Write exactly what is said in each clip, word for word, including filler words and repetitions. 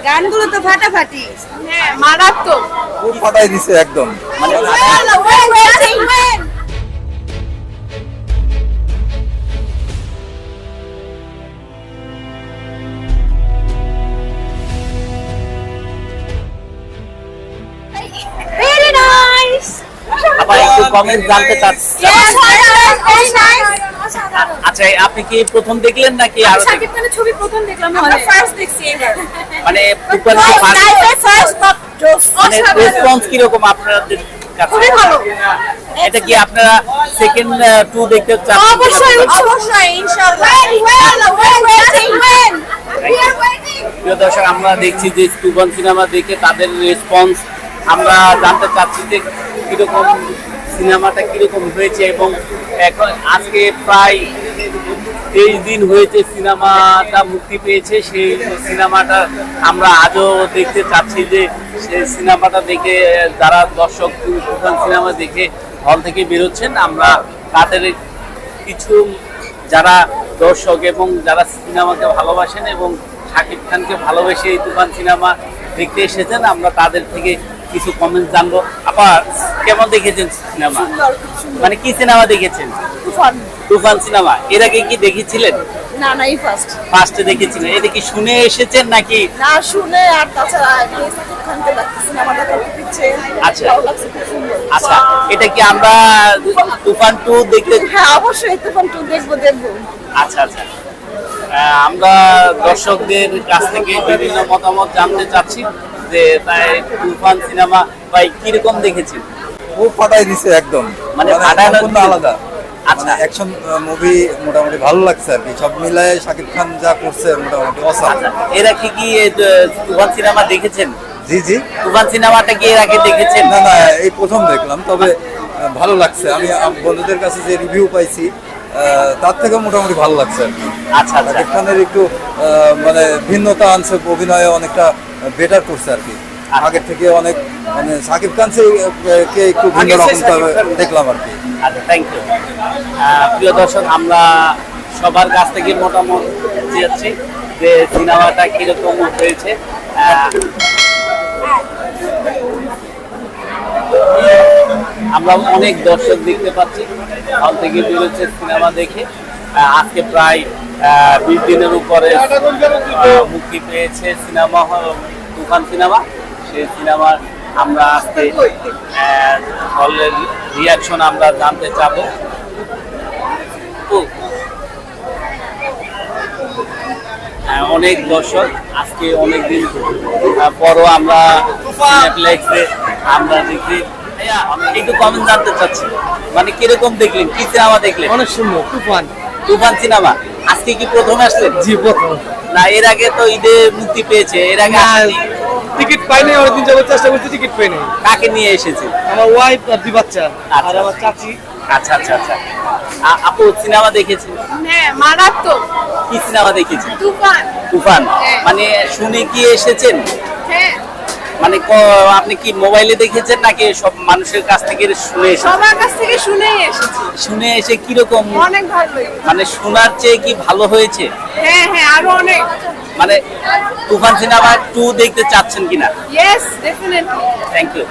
গানগুলো তো ফাটাফাটি, হ্যাঁ মারাত্মক, খুব ফাটাই দিছে একদম। মানে very nice. আবার একটু কমেন্ট জানতে চাচ্ছি। Yes, very nice. আচ্ছা, আপনি কি প্রথম দেখলেন নাকি আমি আরো শাকিব খানের ছবি প্রথম দেখলাম, আমরা ফার্স্ট দেখছি এবার। মানে তুফান কি ফার্স্ট বাট জোস মানে রেসপন্স কি রকম আপনাদের কাছে? খুবই ভালো। এটা কি আপনারা সেকেন্ড টু দেখতে চান? অবশ্যই অবশ্যই ইনশাআল্লাহ। Well, well, waiting when we are waiting. প্রিয় দর্শক, আমরা দেখছি যে তুফান সিনেমা দেখে তাদের রেসপন্স আমরা জানতে চাচ্ছি যে কিরকম সিনেমাটা কিরকম হয়েছে, এবং এখন আজকে প্রায় তেইশ দিন হয়েছে সিনেমাটা মুক্তি পেয়েছে। সেই সিনেমাটা আমরা আজও দেখতে চাচ্ছি যে সেই সিনেমাটা দেখে যারা দর্শক তুফান সিনেমা দেখে হল থেকে বেরোচ্ছেন, আমরা তাদের কিছু যারা দর্শক এবং যারা সিনেমাকে ভালোবাসেন এবং শাকিব খানকে ভালোবেসে এই তুফান সিনেমা দেখতে এসেছেন, আমরা তাদের থেকে কিছু কমেন্ট জানবো। আবার কেমন দেখেছেন সিনেমা? মানে কি সিনেমা দেখেছেন? তুফান। তুফান সিনেমা এর আগে কি দেখেছিলেন? না না, এই ফার্স্ট। ফার্স্টে দেখেছিলেন। এটা কি শুনে এসেছেন নাকি? না শুনে, আর তাছাড়া আমি শাকিব খানকে দেখতে সিনেমাটা করতে দিচ্ছে। আচ্ছা। ভালো লাগছে, খুব সুন্দর। আচ্ছা, এটা কি আমরা তুফান টু দেখতে? হ্যাঁ অবশ্যই তুফান টু দেখবো দেখবো। আচ্ছা আচ্ছা, আহ, আমরা দর্শকদের কাছ থেকে বিভিন্ন মতামত জানতে চাচ্ছি যে তাই তুফান সিনেমা ভাই কিরকম দেখেছেন? খুব ফাটাই দিছে একদম। মানে মানে ফাটানো সম্পূর্ণ আলাদা। আচ্ছা। মানে অ্যাকশন মুভি মোটামুটি ভালো লাগছে আর কি, সব মিলায়ে শাকিব খান যা করছে মোটামুটি অসাম। আচ্ছা, এরা কি কি এ, তুফান সিনেমা দেখেছেন? জি জি। তুফান সিনেমাটা কি এর আগে দেখেছেন? না না, এই প্রথম দেখলাম, তবে আহ, ভালো লাগছে। আমি আম- বন্ধুদের কাছে যে রিভিউ পাইছি আহ, তার থেকে মোটামুটি ভালো লাগছে আর কি। আচ্ছা আচ্ছা শাকিব খানের একটু আহ, মানে ভিন্নতা আনছে, অভিনয়ে অনেকটা বেটার করছে আর কি। আগের থেকে অনেক মানে শাকিব খান সে, আহ, কে একটু ভিন্ন আগে সে রকম শাকিব খান। দেখলাম আর কি। আচ্ছা, থ্যাংক ইউ। প্রিয় দর্শক, আমরা সবার কাছ থেকে মতামত যাচ্ছি যে সিনেমাটা কিরকম হয়েছে। আহ, আমরা অনেক দর্শক দেখতে পাচ্ছি হল থেকে বেরোচ্ছে সিনেমা দেখে। আহ, আজকে প্রায় আহ, বিশ দিনের উপরে আহ, মুক্তি পেয়েছে সিনেমা হল- তুফান সিনেমা। সেই সিনেমার আমরা আজকে আহ, হলের রিয়াকশন আমরা জানতে চাবো। ও, হ্যাঁ, অনেক দর্শক আজকে অনেক দিন পরও আমরা সিনেপ্লেক্সে আমরা দেখি। ভাইয়া, আমি একটু কমেন্ট জানতে চাচ্ছি, মানে কিরকম দেখলেন, কি সিনেমা দেখলেন? অনেক সুন্দর তুফান। তুফান সিনেমা আজকে কি প্রথম আসলেন? জি প্রথম। না এর আগে তো ঈদে মুক্তি পেয়েছে, এর আগে না, আসেনি? টিকিট পাইনি, অনেকদিন যাবত চেষ্টা করছি, টিকিট পাইনি। কাকে নিয়ে এসেছে? আমার ওয়াইফ আর দুই বাচ্চা আর আচ্ছা। আমার চাচি। আচ্ছা আচ্ছা আচ্ছা, আ- আপু সিনেমা দেখেছেন? হ্যাঁ মারাত্মক। কি সিনেমা দেখেছেন? তুফান। তুফান। হ্যাঁ। মানে শুনে কি এসেছেন? হ্যাঁ মানে ক- আপনি কি মোবাইলে দেখেছেন নাকি সব মানুষের কাছ থেকে শুনে এসেছেন? সবার কাছ থেকে শুনেই এসেছি, শুনে এসে কিরকম? অনেক ভালোই। মানে শোনার চেয়ে কি ভালো হয়েছে? হ্যাঁ হ্যাঁ আরো অনেক। মানে তুফান সিনেমা টু দেখতে চাচ্ছেন কিনা? Yes definitely. Thank you.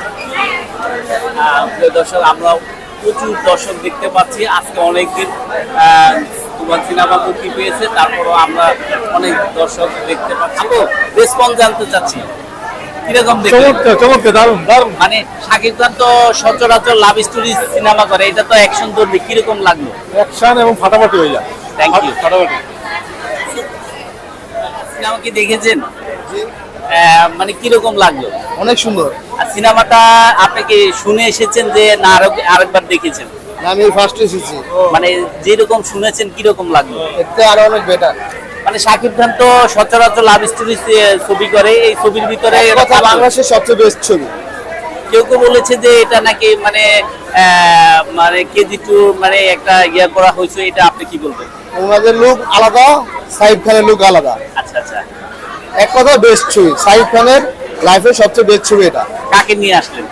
দর্শক, আমরা প্রচুর দর্শক দেখতে পাচ্ছি আজকে অনেকদিন তুফান সিনেমা মুক্তি পেয়েছে, তারপরও আমরা অনেক দর্শক দেখতে পাচ্ছি। রেসপন্স জানতে চাচ্ছি কিরকম দেখলেন? চমৎকার চমৎকার, দারুণ দারুণ। মানে শাকিব খান তো সচরাচর লাভ স্টোরি সিনেমা করে, এটা তো অ্যাকশন ধর্মী, কিরকম লাগলো? অ্যাকশন এবং ফাটাফাটি হয়ে যায়। Thank you. ফাটাফাটি। সিনেমা কি দেখেছেন? আহ, মানে কিরকম লাগলো? অনেক সুন্দর। আর সিনেমাটা আপনি কি শুনে এসেছেন যে না আরো আরেকবার দেখেছেন? আমি ফার্স্ট এসেছি, মানে যেরকম শুনেছেন কিরকম লাগলো? এতে আরো অনেক বেটার। মানে শাকিব খান তো সচরাচর লাভ স্টোরি ছবি করে, এই ছবির ভিতরে কথা বাংলাদেশের সবচেয়ে বেস্ট ছবি। কেউ কেউ বলেছে যে এটা নাকি মানে আহ, মানে কেজি টু মানে একটা ইয়ে করা হয়েছে, এটা আপনি কি বলবেন? ওনাদের লুক আলাদা, সাইফ খানের লুক আলাদা। আচ্ছা আচ্ছা, এক কথা বেস্ট ছবি, সাইফ খানের লাইফের সবচেয়ে বেস্ট ছবি এটা। কাকে নিয়ে আসলেন?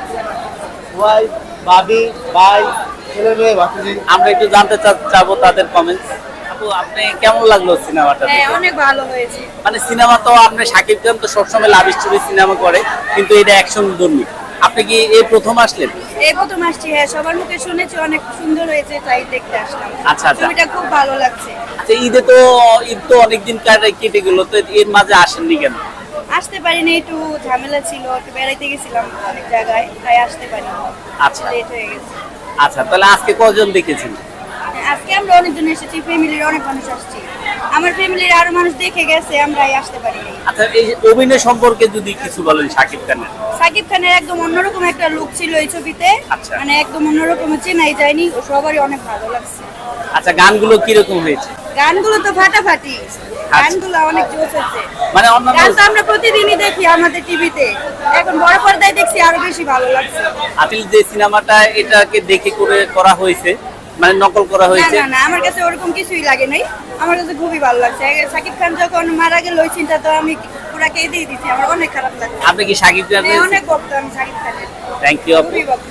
ওয়াইফ, ভাবি, ভাই, ছেলে মেয়ে, ভাতিজি। আমরা একটু জানতে চা- চাবো তাদের কমেন্টস। আপু আপনি কেমন লাগলো সিনেমাটা হ্যাঁ দেখে? অনেক ভালো হয়েছে। মানে সিনেমা তো আপনি শাকিব খান তো সবসময় লাভ স্টোরি সিনেমা করে, কিন্তু এটা অ্যাকশন ধর্মী। আপনি কি এই প্রথম আসলেন? এই প্রথম আসছি, হ্যাঁ সবার মুখে শুনেছি অনেক সুন্দর হয়েছে, তাই দেখতে আসলাম। আচ্ছা, আচ্ছা। ছবিটা খুব ভালো লাগছে। আচ্ছা, ঈদে তো ঈদ তো অনেকদিন কাটে কেটে গেল, তো এর মাঝে আসেননি কেন? আসতে পারিনি, একটু ঝামেলা ছিল, একটু বেড়াইতে গেছিলাম অনেক জায়গায়, তাই আসতে পারিনি। আচ্ছা। লেট হয়ে গেছে। আচ্ছা, তাহলে আজকে কজন দেখেছেন? আজকে আমরা অনেকজন এসেছি, ফ্যামিলির অনেক মানুষ আসছি। আমার ফ্যামিলির আরো মানুষ দেখে গেছে, আমরাই আসতে পারিনি। আচ্ছা, এই যে অভিনয় সম্পর্কে যদি কিছু বলেন শাকিব খানের। সাকিব খানের একদম অন্যরকম একটা লুক ছিল এই ছবিতে, আচ্ছা। মানে একদম অন্যরকম, চেনাই যায়নি, ও সবারই অনেক ভালো লাগছে। আচ্ছা, গানগুলো কিরকম হয়েছে? গানগুলো তো ফাটাফাটি, গানগুলো অনেক জোশ হচ্ছে। মানে অন্যান্য গান তো আমরা প্রতিদিনই দেখি আমাদের টিভিতে, এখন বড় পর্দায় দেখছি আরো বেশি ভালো লাগছে। আপিল যে সিনেমাটা এটাকে দেখে করে করা হয়েছে, মানে নকল করা না হয়েছে। না না, আমার কাছে ওরকম কিছুই লাগে নাই, আমার কাছে খুবই ভালো লাগছে। সাকিব খান যখন মারা গেল ওই চিন্তা তো আমি পুরা কেঁদেই দিছি, আমার অনেক খারাপ লাগছে। আপনি কি শাকিব হ্যাঁ, খানের? অনেক ভক্ত আমি সাকিব খানের, থ্যাংক ইউ আপু। খুবই ভক্ত।